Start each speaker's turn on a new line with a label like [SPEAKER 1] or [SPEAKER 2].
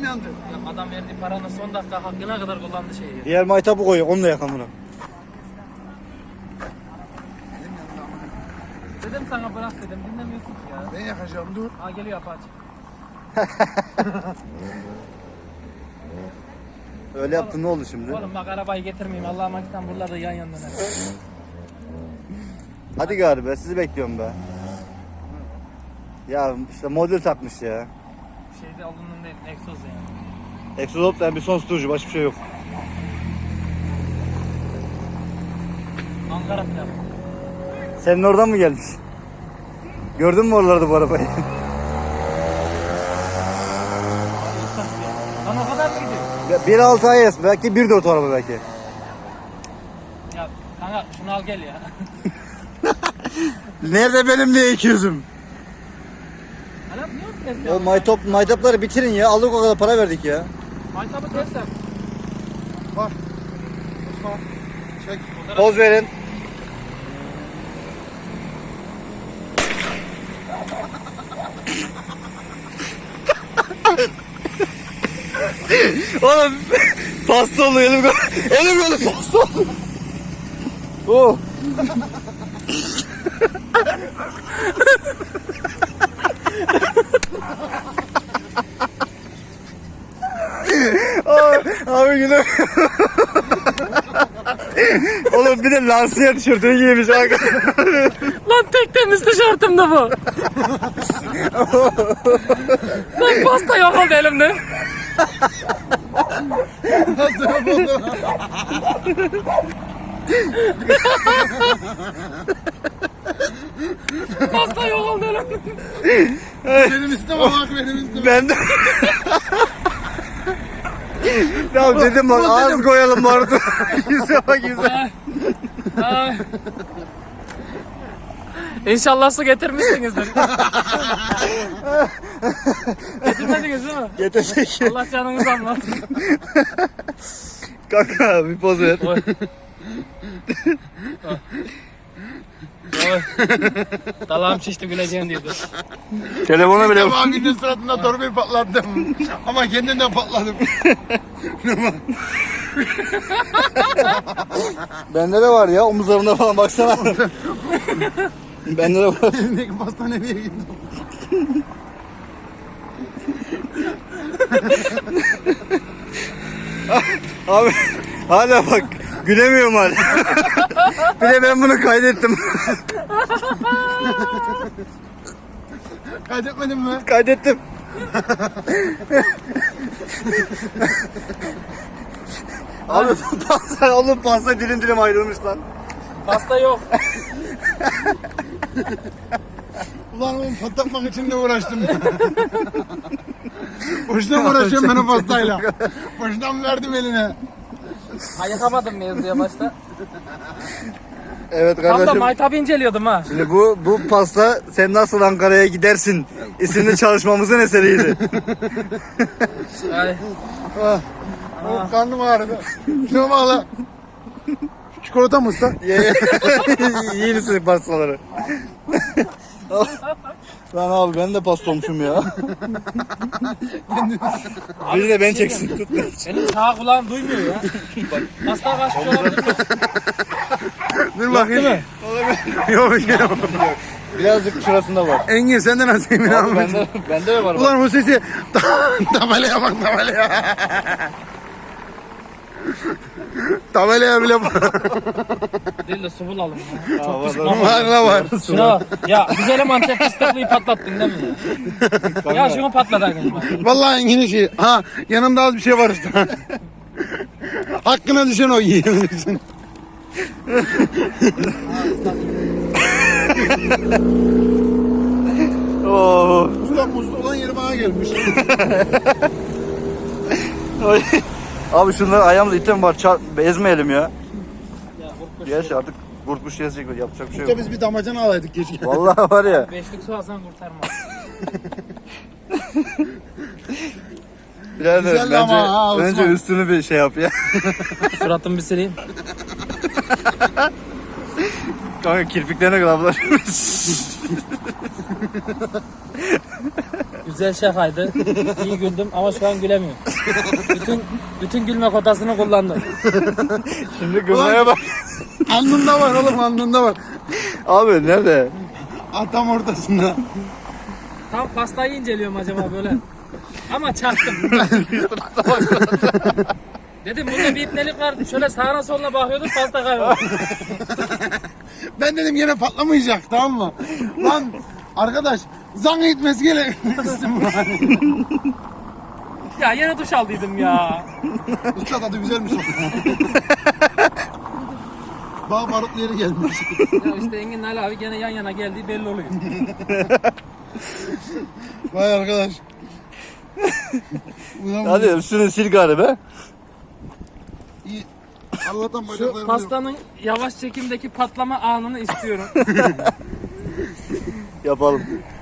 [SPEAKER 1] elim yandı.
[SPEAKER 2] Ya adam verdiği paranın son dakika hakkına kadar kullandı şeyi.
[SPEAKER 3] Diğer maytabı koy, onunla yakan bunu.
[SPEAKER 2] Dedim sana bırak dedim, dinlemiyorsun ki ya.
[SPEAKER 1] Ben yakacağım, dur.
[SPEAKER 2] Ha geliyor Apache.
[SPEAKER 3] Öyle yaptın, ne oldu şimdi?
[SPEAKER 2] Oğlum bak arabayı getirmeyeyim, Allah'ıma gitten buralarda yan yandan.
[SPEAKER 3] Hadi gari sizi bekliyorum be. Ya işte model takmış ya.
[SPEAKER 2] Şeyde alının değil, egzoz yani.
[SPEAKER 3] Exodop da bir son tutucu, başka bir şey yok.
[SPEAKER 2] Ankara plakı.
[SPEAKER 3] Senin oradan mı gelmiş? Gördün mü oralarda bu arabayı?
[SPEAKER 2] Lan o kadar mı gidiyor?
[SPEAKER 3] 1.6 IS, belki 1.4 araba belki.
[SPEAKER 2] Ya kanka şunu al gel ya.
[SPEAKER 3] Nerede benim diye 200'üm?
[SPEAKER 2] Hala niye yok
[SPEAKER 3] O maytapları bitirin ya, aldık o kadar para verdik ya.
[SPEAKER 2] Maytabı ters yap.
[SPEAKER 1] Bak. Osman. Çek.
[SPEAKER 3] Poz verin. Oğlum pasta oldu elim böyle pasta oldu. Oh. Abi güle. Oğlum bir de lansiyer tişörtünü giymiş.
[SPEAKER 2] Lan tek temiz tişörtüm de bu. Lan pasta yok oldu elimde. Pasta yok oldu elimde.
[SPEAKER 1] Benim isteme bak, benim isteme.
[SPEAKER 3] Ben de... Ya dedim bak az koyalım vardı. Yüze bak yüze.
[SPEAKER 2] Ay. İnşallah su getirmişsinizdir. Getirmediniz değil mi?
[SPEAKER 3] Getirdik.
[SPEAKER 2] Allah canınızı almasın.
[SPEAKER 3] Kanka bir poz ver.
[SPEAKER 2] Oy. Oy. Dalağım şişti, güleceğim diyordu.
[SPEAKER 3] Telefona bile...
[SPEAKER 1] Abinin suratında torbayı patlattım. Ama kendinden patladım.
[SPEAKER 3] Bende de var ya, omuzlarımda falan baksana. Bende de var.
[SPEAKER 1] Elimdeki pasta nereye gitti?
[SPEAKER 3] Abi hala bak gülemiyorum hala. Bir de ben bunu kaydettim.
[SPEAKER 1] Kaydetmedin mi?
[SPEAKER 3] Kaydettim. Abi pasta dilim dilim ayrılmış lan.
[SPEAKER 2] Pasta yok.
[SPEAKER 1] Ulan oğlum patlatmak için de uğraştım. Boşuna mı uğraşıyorum ben o pastayla? Boşuna mı verdim eline?
[SPEAKER 2] Ha yakamadın mevzuya başta.
[SPEAKER 3] Evet
[SPEAKER 2] Tam da
[SPEAKER 3] kardeşim.
[SPEAKER 2] maytabı inceliyordum ha.
[SPEAKER 3] Şimdi bu pasta sen nasıl Ankara'ya gidersin isimli çalışmamızın eseriydi.
[SPEAKER 2] Ay.
[SPEAKER 1] Oh, karnım ağrıdı. Şuna bak lan. Çikolata mı usta?
[SPEAKER 3] Yiyin pastaları. Lan abi ben de pasta olmuşum ya. Biri de ben çeksin. Tut beni.
[SPEAKER 2] Benim sağ kulağım duymuyor ya. Pasta kaçmış olabilir mi?
[SPEAKER 1] Dur bakayım. Yok yok.
[SPEAKER 3] Birazcık şurasında var.
[SPEAKER 1] Engin sende nasıl emin
[SPEAKER 3] Abi
[SPEAKER 1] abi?
[SPEAKER 3] bende de var.
[SPEAKER 1] Ulan o sesi tabelaya bak tabelaya. Tabelaya bile bak.
[SPEAKER 2] Değil de su bulalım ya.
[SPEAKER 3] Aa,
[SPEAKER 2] Çok
[SPEAKER 3] var,
[SPEAKER 2] pişman
[SPEAKER 3] var.
[SPEAKER 2] oldum.
[SPEAKER 1] Var la var.
[SPEAKER 2] Şuna bak. Ya güzelim Antep fıstıklıyı patlattın değil mi ya? Ya şunu patlat arkadaşlar.
[SPEAKER 1] Vallahi Engin'in şey. Ha yanımda az bir şey var işte. Hakkına düşen o yiyebilirsin.
[SPEAKER 3] Oo.
[SPEAKER 1] Usta muzlu olan yeri bana gelmiş.
[SPEAKER 3] Abi şunlar ayağımızda item var. Ezmeyelim ya.
[SPEAKER 2] Ya kurtmuş.
[SPEAKER 3] Gerçi artık kurtmuş gezecek, yapacak bir şey
[SPEAKER 1] Usta
[SPEAKER 3] yok.
[SPEAKER 1] biz bir damacana alaydık keşke.
[SPEAKER 3] Vallahi var ya.
[SPEAKER 2] Beşlik su alsan kurtarmaz.
[SPEAKER 3] Birader
[SPEAKER 1] Güzel ama ha,
[SPEAKER 3] bence
[SPEAKER 1] Osman.
[SPEAKER 3] üstünü bir şey yap ya.
[SPEAKER 2] Suratımı bir sileyim.
[SPEAKER 3] Kanka kirpiklerine kadar bulaşmış.
[SPEAKER 2] Güzel şakaydı. İyi güldüm ama şu an gülemiyorum. Bütün gülme kotasını kullandım.
[SPEAKER 3] Şimdi gülmeye bak.
[SPEAKER 1] Alnında var oğlum, alnında var.
[SPEAKER 3] Abi nerede?
[SPEAKER 1] Tam ortasında.
[SPEAKER 2] Tam pastayı inceliyorum acaba böyle. Ama çaktım. Dedim bunda bir ipnelik var. Şöyle sağına soluna bakıyordum, pasta kayboldu.
[SPEAKER 1] Ben dedim yine patlamayacak, tamam mı? Lan arkadaş zanga gitmesi gele.
[SPEAKER 2] Ya yine duş aldıydım ya.
[SPEAKER 1] Usta tadı güzelmiş. Bağ barutlu yeri gelmiş.
[SPEAKER 2] Ya işte Engin Ali abi gene yan yana geldiği belli oluyor.
[SPEAKER 1] Vay arkadaş. Ulan
[SPEAKER 3] Hadi üstünü sil gari be.
[SPEAKER 1] iyi. Allah'tan
[SPEAKER 2] Şu
[SPEAKER 1] bacaklarım yok.
[SPEAKER 2] pastanın yavaş çekimdeki patlama anını istiyorum.
[SPEAKER 3] Yapalım.